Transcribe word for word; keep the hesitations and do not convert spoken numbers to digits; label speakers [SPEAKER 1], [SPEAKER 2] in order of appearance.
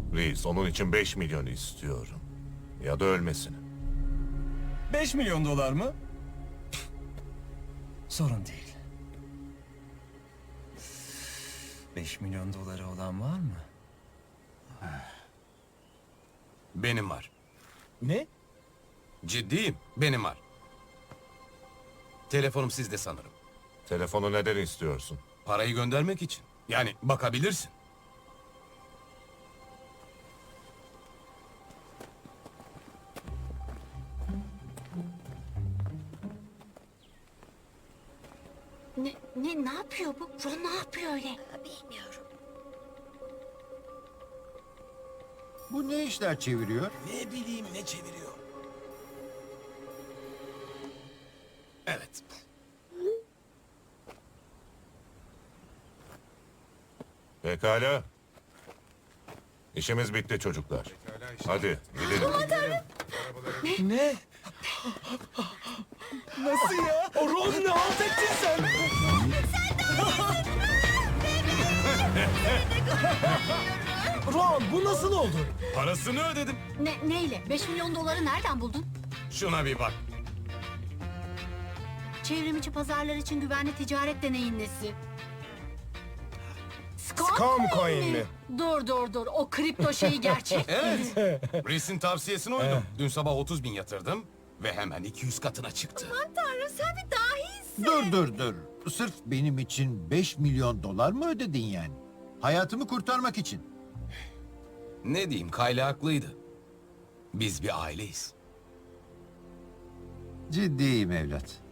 [SPEAKER 1] Reis, onun için beş milyon istiyorum. Ya da ölmesini.
[SPEAKER 2] Beş milyon dolar mı? Sorun değil. Beş milyon doları olan var mı?
[SPEAKER 3] Benim var.
[SPEAKER 2] Ne?
[SPEAKER 3] Ciddiyim, benim var. Telefonum sizde sanırım.
[SPEAKER 1] Telefonu neden istiyorsun?
[SPEAKER 3] Parayı göndermek için. Yani bakabilirsin.
[SPEAKER 4] Ne, ne, ne yapıyor bu? Ron ne yapıyor öyle?
[SPEAKER 5] Bilmiyorum.
[SPEAKER 6] Bu ne işler çeviriyor?
[SPEAKER 3] Ne bileyim ne çeviriyor. Evet.
[SPEAKER 1] Pekala. İşimiz bitti çocuklar. Hadi gidelim.
[SPEAKER 2] Ne? Nasıl ya? Ron ne halt ettin sen? Ron bu nasıl oldu?
[SPEAKER 3] Parasını ödedim.
[SPEAKER 4] Ne, neyle? Beş milyon doları nereden buldun?
[SPEAKER 3] Şuna bir bak.
[SPEAKER 4] Çevrimiçi pazarlar için güvenli ticaret deneyin nesi?
[SPEAKER 2] Scam coin mi?
[SPEAKER 4] Dur dur dur. O kripto şeyi gerçek.
[SPEAKER 3] Evet. Reis'in tavsiyesine uydum. Dün sabah otuz bin yatırdım ve hemen iki yüz katına çıktı.
[SPEAKER 4] Tanrım sen bir dahisin.
[SPEAKER 6] Dur dur dur. Sırf benim için beş milyon dolar mı ödedin yani? Hayatımı kurtarmak için.
[SPEAKER 3] Ne diyeyim, Kayla haklıydı. Biz bir aileyiz.
[SPEAKER 6] Ciddiyim evlat.